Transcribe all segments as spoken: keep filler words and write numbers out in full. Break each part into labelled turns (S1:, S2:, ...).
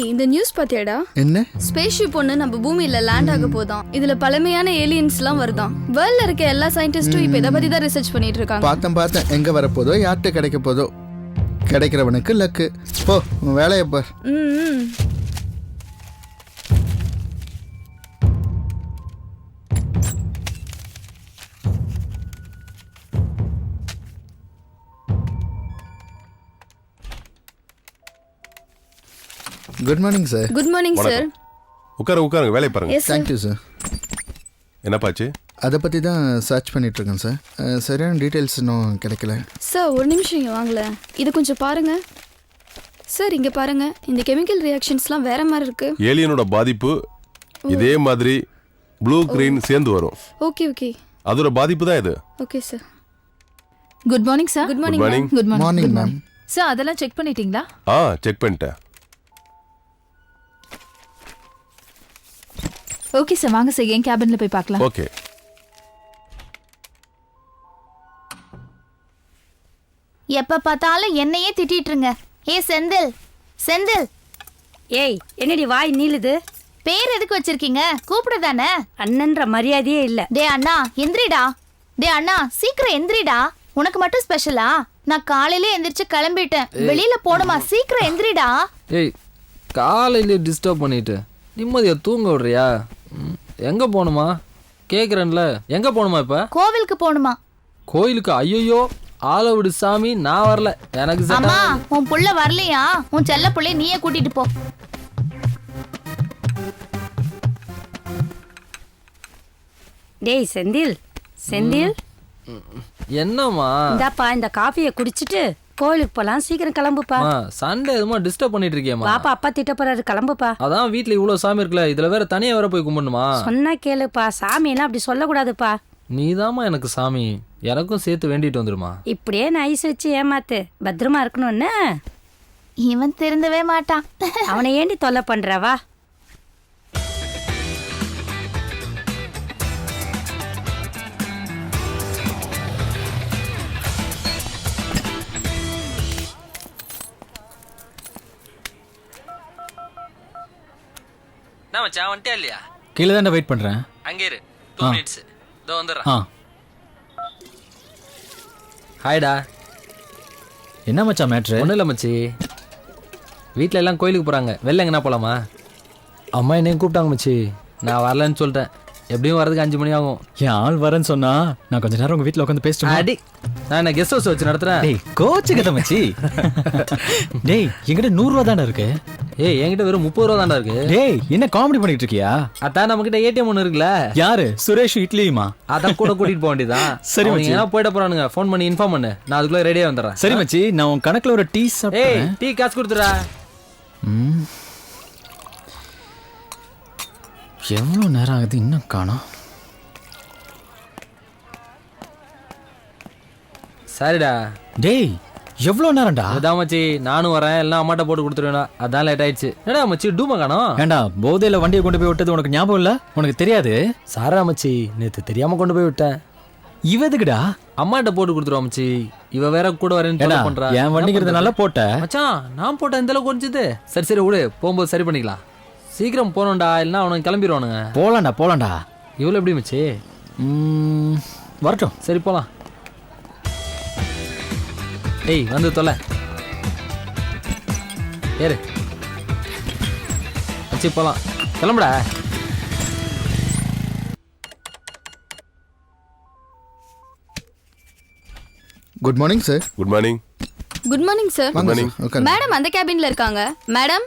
S1: இந்த நியூஸ் பாத்தியாடா?
S2: என்ன?
S1: ஸ்பேஸ் ஷிப் ஒன்னு நம்ம பூமியில லேண்ட் ஆக போதாம். இதுல பழமையான ஏலியன்ஸ் எல்லாம் வருதாம். வேர்ல்ட்ல இருக்க எல்லா சயின்டிஸ்டும் இப்ப இத பத்தி தான் ரிசர்ச் பண்ணிட்டு இருக்காங்க.
S2: பார்த்தேன் பார்த்தேன். எங்க வர போதோ, யார்கிட்ட கிடைக்க போதோ. கிடைக்கிறவனுக்கு லக்கு. போ உன் வேலையை பார்.
S1: ம்
S2: good morning sir.
S1: Good morning sir.
S3: உட்காரு உட்காருங்க, வேலையை பாருங்க.
S1: Yes
S2: thank you sir.
S3: என்னப்பாச்சு?
S2: அதை பற்றி தான் சர்ச் பண்ணிட்டு இருக்கேன் சார். சரியான டீட்டெயில்ஸ் இன்னும் கிடைக்கல
S1: சார். ஒரு நிமிஷம் இங்கே வாங்கல, இது கொஞ்சம் பாருங்க சார். இங்கே பாருங்க, இந்த கெமிக்கல் ரியாக்ஷன்ஸ்லாம் வேற மாதிரி இருக்கு.
S3: ஏலியனோட பாதிப்பு இதே மாதிரி ப்ளூ கிரீன் சேர்ந்து வரும்.
S1: ஓகே ஓகே,
S3: அதோட பாதிப்பு தான் இது.
S1: Okay sir.
S4: Good morning sir.
S1: Good morning
S3: morning.
S1: Ma'am.
S4: Good morning.
S2: Morning ma'am.
S4: Sir அதெல்லாம் செக் பண்ணிட்டீங்களா?
S3: ஆ செக் பண்ணிட்டேன்.
S4: ஓகே சார், வாங்க சார் என் கேபின்ல போய் பார்க்கலாம்.
S3: ஓகே.
S5: எப்ப பார்த்தாலும் என்னையே திட்டிட்டு இருங்க. ஏ செந்தில், செந்தில்.
S6: ஏய், என்னடி வாய் நீளுது?
S5: பேர் எதுக்கு வச்சிருக்கீங்க? கூப்பிட தானே.
S6: அண்ணன்ற மரியாதையே இல்ல.
S5: டே அண்ணா எந்திரிடா. டே அண்ணா சீக்கிரம் எந்திரிடா. உனக்கு மட்டும் ஸ்பெஷலா? நான் காலையில எந்திரிச்சு கிளம்பிட்டேன். வெளியில போணுமா? சீக்கிரம் எந்திரிடா.
S7: ஏய், காலையிலே டிஸ்டர்ப் பண்ணிட்டு நிம்மதியா தூங்க விடுறியா? ம், எங்க போகணுமா கேக்குறேன்ல. எங்க போகணுமா இப்ப?
S5: கோவிலுக்கு போணுமா?
S7: கோயிலுக்கு? ஐயோ, ஆளை விடு சாமி, நான் வரல. எனக்கு set
S5: அம்மா
S7: ஆகாது.
S5: உன் புள்ள வரலையா? உன் செல்ல புள்ளைய நீயே கூட்டிட்டு போ.
S6: டேய் செந்தில், செந்தில்
S7: என்னம்மா?
S6: இந்தாப்பா, இந்த காஃபியை குடிச்சிட்டு கோயிலுக்கு போலாம். சீக்கிரம் கிளம்புப்பா.
S7: சண்டே எதுமா டிஸ்டர்ப் பண்ணிட்டு இருக்கியம்மா?
S6: பாப்பா அப்பா திட்ட போறாரு, கிளம்புப்பா.
S7: அதான் வீட்ல இவ்வளவு சாமி இருக்குல்ல, இதுல வேற தனியா வேற போய் கும்பிடணுமா?
S6: சொன்னா கேளுப்பா, சாமி எல்லாம் அப்படி சொல்லக்கூடாதுப்பா.
S7: நீதாம்மா எனக்கு சாமி, எனக்கும் சேர்த்து வேண்டிட்டு வந்துருமா.
S6: இப்படியே நைஸ் வச்சு ஏமாத்து, பத்திரமா இருக்கணும்னு.
S5: இவன் திருந்தவே மாட்டான்.
S6: அவனை ஏண்டி தொல்லை பண்றவா?
S7: நான் மச்சான் வந்துட்டே இல்லையா?
S8: கீழே தான் வெயிட் பண்ணுறேன்.
S7: அங்கே இரு, டூ மினிட்ஸ் இதோ வந்துடுறேன்.
S8: ஆ,
S7: ஹாய்டா.
S8: என்ன மச்சான் மேட்ரு?
S7: ஒன்றும் இல்லை மச்சி, வீட்டில் எல்லாம் கோயிலுக்கு போகிறாங்க. வெளில எங்கன்னா போகலாமா? அம்மா என்னையும் கூப்பிட்டாங்க மச்சி, நான் வரலன்னு சொல்லிட்டேன். எப்படியும் வரதுக்கு அஞ்சு மணி ஆகும்.
S8: என் ஆள் வரேன்னு சொன்னா நான் கொஞ்ச நேரம் உங்க வீட்டில் உட்காந்து பேசிட்டு.
S7: அடி, நான் என்ன கெஸ்ட் ஹவுஸ் வச்சு நடத்துறேன்?
S8: டேய் கோச்சு கதை மச்சி. டேய் என்கிட்ட நூறுரூவா தானே இருக்கு.
S7: ஏய் என்கிட்ட வெறும் முப்பது ரூபா தாண்டா இருக்கு.
S8: டேய் என்ன காமெடி பண்ணிட்டு இருக்கியா?
S7: அதான் நம்ம கிட்ட ஏடிஎம் ஒன்று இருக்குல்ல.
S8: யாரு? சுரேஷ் இட்லியுமா?
S7: அதான் கூட கூட்டிட்டு போக வேண்டியதான்.
S8: சரி மச்சி,
S7: ஏன்னா போயிட போறானுங்க. ஃபோன் பண்ணி இன்ஃபார்ம் பண்ணு, நான் அதுக்குள்ள ரெடியா வந்துடுறேன்.
S8: சரி மச்சி, நான் உன் கணக்குல ஒரு டீ
S7: ஏய்
S8: சாப்பிட்டேன்.
S7: டீ காசு கொடுத்துடா.
S8: ம், எவ்வளோ நேரம் ஆகுது இன்னும் காணோம்.
S7: சரிடா.
S8: டேய் எவ்வளோ நேரம்டா?
S7: அதான் மச்சி, நானும் வரேன், எல்லாம் அம்மாட்ட போட்டு கொடுத்துருவேன். அதான் லேட் ஆயிடுச்சு. என்னடா மச்சி டூமா காணோம்?
S8: ஏண்டா போதையில வண்டியை கொண்டு போய் விட்டது உனக்கு ஞாபகம் இல்ல? உனக்கு தெரியாது?
S7: சாரா மச்சி, நேத்து தெரியாம கொண்டு போய் விட்டேன்.
S8: இவ எதுக்குடா?
S7: அம்மாட்ட போட்டு கொடுத்துருவா மச்சி. இவ வேற கூட வரேன்னு
S8: ஏடா
S7: தொல்லை பண்றா.
S8: என் வண்டிங்கிறதுனால போட்ட
S7: மச்சான், நான் போட்டேன் இந்த அளவுக்கு குறைஞ்சது. சரி சரி விடு, போகும்போது சரி பண்ணிக்கலாம். சீக்கிரம் போனோம்டா, இல்லைன்னா அவனுக்கு கிளம்பிடுவானுங்க.
S8: போலாம்டா போலாம்டா.
S7: இவ்வளோ எப்படி மச்சி?
S8: ம், வரட்டும்.
S7: சரி போலாம். ஏய் வந்து தொலை ஏறு மச்சி, போலாம். கிளம்புடா.
S2: Good morning sir.
S3: Good morning.
S1: Good morning sir.
S2: வாங்க
S3: morning.
S2: சார், உட்காருங்க.
S1: மேடம் அந்த கேபின்ல இருக்காங்க. மேடம்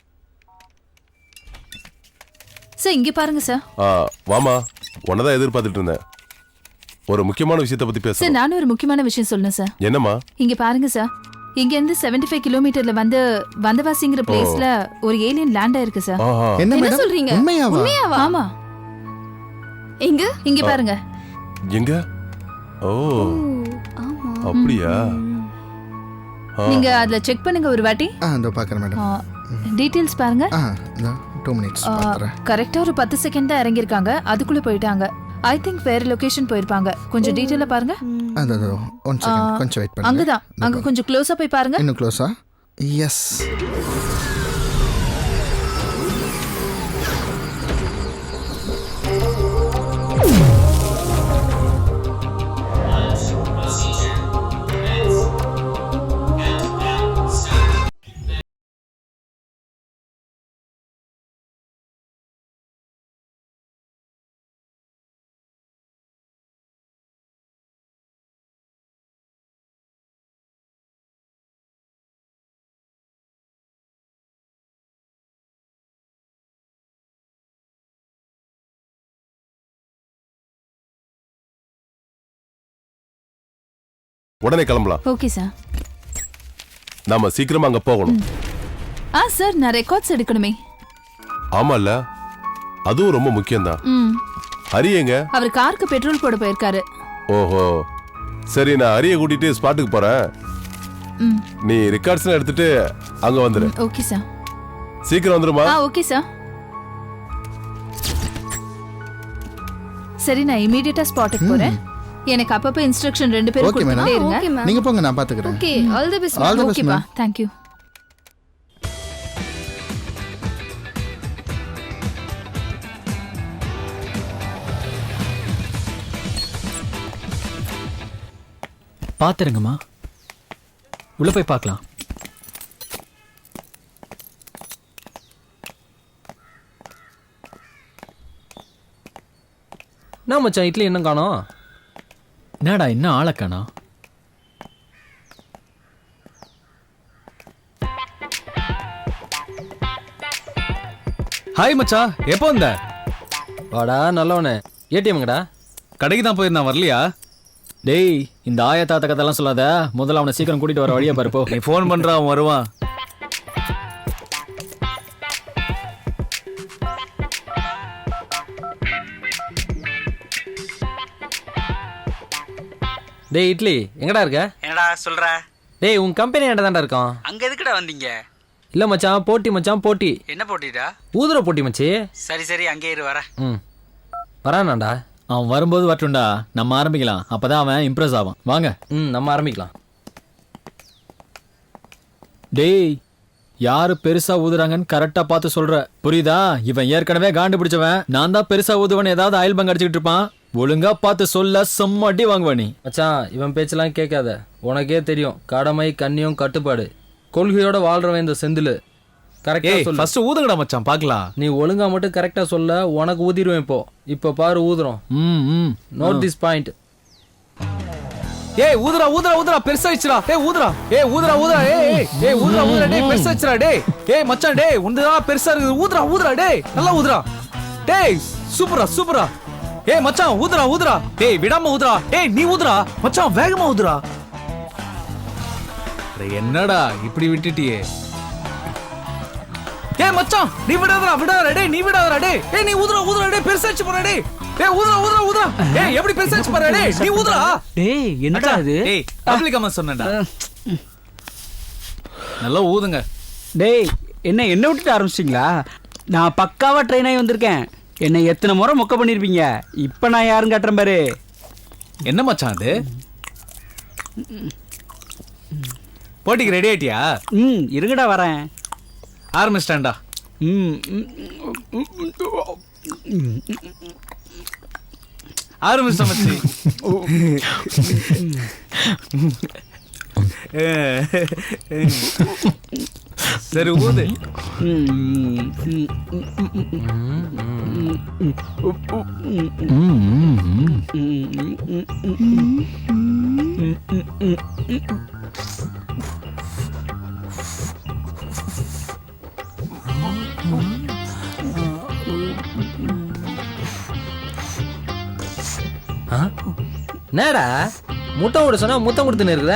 S4: சார் இங்க பாருங்க சார்.
S3: ஆ வாமா, உன்னதான் எதிர்பார்த்துட்டு இருந்தேன். ஒரு முக்கியமான விஷயத்தை பத்தி
S4: சார்
S3: பேச.
S4: நானும் ஒரு முக்கியமான விஷயம் சொல்லணும் சார்.
S3: என்னம்மா?
S4: இங்க பாருங்க சார், இங்க இருந்து செவன்டி ஃபைவ் கிலோமீட்டர்ல வந்து வந்தவாசிங்கிற பிளேஸ்ல ஒரு ஏலியன் லேண்ட் ஆயிருக்கு சார்.
S3: ஆஹா.
S2: என்ன
S1: என்ன
S2: மேடம்
S1: சொல்றீங்க?
S2: உண்மையாவா?
S1: உண்மையாவா?
S4: ஆமா,
S1: எங்க?
S4: இங்க பாருங்க.
S3: எங்க? ஓ
S1: ஆமா.
S3: அப்படியா? ஆ.
S4: நீங்க அதுல செக் பண்ணுங்க ஒரு வாட்டி.
S2: ஆ இதோ பார்க்குறேன் மேடம்.
S4: டீடைல்ஸ் பாருங்க.
S2: ஆ இதோ டூ மினிட்ஸ் பார்க்குறேன்.
S4: கரெக்டா ஒரு பத்து செகண்ட் தான் இறங்கியிருக்காங்க, அதுக்குள்ள போயிட்டாங்க. ஐ திங்க் வேற லொகேஷன் போயிருப்பாங்க. கொஞ்சம் டீடைலா பாருங்க.
S2: அதோ அதோ ஒன் செகண்ட், கொஞ்சம் வெயிட் பண்ணுங்க.
S4: அங்கதான், அங்க கொஞ்சம் க்ளோஸா போய் பாருங்க.
S2: இன்னும் க்ளோஸா? எஸ்.
S3: உடனே கிளம்பலாம்.
S4: Okay sir.
S3: நாம சீக்கிரமா அங்க போகணும்.
S4: ஆ சார், நான் ரெக்கார்ட்ஸ் எடுக்கணுமே.
S3: ஆமால, அதுவும் ரொம்ப முக்கியம்தான்.
S4: ம்.
S3: ஹரி எங்க?
S4: அவர் காருக்கு பெட்ரோல் போட போயிருக்காரு.
S3: ஓஹோ, சரி, நான் ஹரியை கூட்டிட்டு ஸ்பாட்டுக்கு போறேன்.
S4: ம்.
S3: நீ ரெக்கார்ட்ஸ் எடுத்துட்டு அங்க வந்துரு.
S4: Okay sir.
S3: சீக்கிரம் வந்துருமா?
S4: ஆ ஓகே சார். சரி, நான் இமிடியேட்டா ஸ்பாட்டுக்கு போறேன். எனக்கு அப்பப்ப இன்ஸ்ட்ரக்ஷன் ரெண்டு பேரும்
S2: Okay, madam.
S4: கொடுத்துட்டே இருங்க.
S1: Okay ma'am.
S2: நீங்க போங்க, நான் பாத்துக்கிறேன்.
S1: Okay, all the best.
S2: All the best,
S4: ஓகேப்பா,
S2: ma'am.
S4: Thank you.
S8: பாத்துருங்கம்மா, உள்ள போய் பார்க்கலாம்.
S7: என்ன மச்சான், இட்லி என்ன காணோம்?
S8: என்னடா இன்னும் ஆளை காணோம்?
S9: ஹாய் மச்சா, எப்போ வந்த?
S7: வாடா நல்லவனே. ஏடிஎம்ங்கடா.
S9: கடைக்கு தான் போயிருந்தா, வரலையா?
S8: டேய், இந்த ஆயா தாத்த கதெல்லாம் சொல்லாத. முதல்ல அவனை சீக்கிரம் கூட்டிட்டு வர வழியா பாரு போ.
S9: நீ ஃபோன் பண்ற, அவன் வருவான்.
S7: டேய் இட்லி, எங்கடா இருக்க?
S10: என்னடா சொல்ற?
S7: டேய், உன் கம்பெனி என்கிட்ட தான்டா இருக்கான்.
S10: அங்க எதுக்குடா வந்தீங்க?
S7: இல்ல மச்சான், போட்டி மச்சான், போட்டி.
S10: என்ன போட்டிடா?
S7: ஊதுற போட்டி மச்சி.
S10: சரி சரி, அங்கே இரு, வர.
S7: ம், வரானாண்டா.
S8: அவன் வரும்போது வரட்டும்டா, நம்ம ஆரம்பிக்கலாம். அப்பதான் அவன் இம்ப்ரெஸ் ஆவான். வாங்க.
S7: ம், நம்ம ஆரம்பிக்கலாம்.
S8: டேய், யாரு பெருசா ஊதுறாங்கன்னு கரெக்டா பார்த்து சொல்ற, புரியுதா? இவன் ஏற்கனவே காண்டு பிடிச்சவன். நான் தான் பெருசா ஊதுவன் ஏதாவது ஆயில் பங்க் அடிச்சுக்கிட்டு இருப்பான். ஒழுங்கா பார்த்து சொல்ல, செம்ம அடி வாங்குவ நீ.
S7: மச்சான், இவன் பேச்செல்லாம் கேட்காத. உனக்கே தெரியும், கடமை கண்ணியம் கட்டுப்பாடு கொள்கையோட வாழ்றவன் இந்த செந்தில். கரெக்டா
S9: ஏய்,
S7: சொல்லு.
S9: ஃபர்ஸ்ட் ஊதுங்கடா மச்சான், பார்க்கலாம்.
S7: நீ ஒழுங்கா மட்டும் கரெக்டா சொல்ல, உனக்கு ஊதிடுவேன். இப்போ இப்போ பாரு ஊதுறோம்.
S8: ம் ம்
S7: நோட் திஸ் பாயிண்ட்.
S9: ஏய், ஊதுறா ஊதுறா ஊதுறா, பெருசாயிச்சுடா. ஏய் ஊதுறா, ஏய் ஊதுறா ஊதுறா, ஏய் ஏய் ஏய் ஊதுறா ஊதுறா, டேய் பெருசாயிச்சுடா. டேய் ஏய் மச்சான், டேய் உண்டா பெருசா இருக்குது. ஊதுறா ஊதுறா, டேய் நல்லா ஊதுறா. டேய் சூப்பரா சூப்பரா. ஏய் மச்சான், ஊதுறா ஊதுறா, டேய் விடாம ஊதுறா. ஏய் நீ ஊதுறா மச்சான், வேகமா ஊதுறா. என்னடா இப்படி விட்டுட்டியே? ஏய் மச்சான், நீ விடாதடா விடாதடா, டேய் நீ விடாதடா, டேய் ஏய் நீ ஊதுறா ஊதுறா, டேய் பெருசாச்சு போறா. டேய் ஏய் ஊதுறா ஊதுறா ஊதுறா, ஏய் எப்படி பெருசாச்சு போறா. டேய் நீ ஊதுறா.
S10: டேய் என்னடா இது?
S9: டேய் பப்ளிக் அம்மா சொன்னேன்டா. நல்லா ஊதுங்க.
S10: டேய் என்ன என்ன விட்டுட்டு ஆரம்பிச்சிட்டீங்களா? நான் பக்காவா ட்ரெயின் ஆகி வந்திருக்கேன். என்னை எத்தனை முறை மொக்க பண்ணிருப்பீங்க. இப்ப நான் யாரும் கட்டுறேன் பாரு.
S9: என்ன மச்சான் அது? போட்டிக்கு ரெடி ஆயிட்டியா?
S10: ம் இருங்கடா வரேன்.
S9: ஆரம்பிச்சிட்டான்டா.
S10: ம்
S9: ஆரம்பிச்சிட்ட மச்சி. சரி ஊது.
S7: என்னடா முட்டை விட சொன்னா முத்தம் கொடுத்துன்னு இருக்குதா?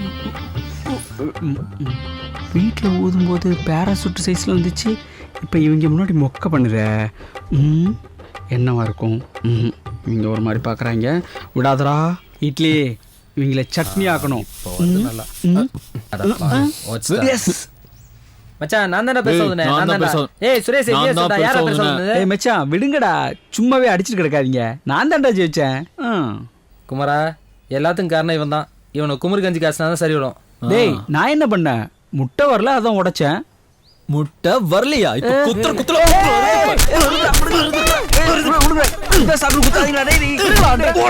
S10: வீட்டில் ஊதும்போது பேராசூட் சைஸில் வந்துச்சு. இப்போ இவங்க முன்னாடி மொக்க பண்ணுற. ம் என்னவா இருக்கும்? ம் இவங்க ஒரு மாதிரி பார்க்குறாங்க. விடாதடா இட்லி, இவங்கள சட்னி ஆக்கணும்.
S7: மச்சான், நான் தானே பேச வந்தேன்.
S8: நான்
S7: நான்
S8: தான்
S7: தான்டா.
S8: பேச-
S7: ஏய் சுரேஷ்,
S8: நான்
S7: ஏய்
S8: தான்
S7: சொல்டா,
S8: பேச
S7: யாரா பேச
S8: வந்தேன்.
S7: வந்தது?
S10: ஏய் மச்சான் விடுங்கடா, சும்மாவே அடிச்சுட்டு கிடக்காதீங்க. நான் தான்டா ஜெயிச்சேன். ம்
S7: குமாரா, எல்லாத்துக்கும் காரணம் இவன் தான். இவனை குமுறு கஞ்சி காசுனா தான் சரி வரும்.
S10: டேய் நான் என்ன பண்ணேன்? முட்டை வரல, அதான் உடைச்சேன்.
S8: முட்டை வரலையா? இப்ப குத்துற குத்துற
S10: சாப்பிட்டு குத்தாதீங்களா டேய்.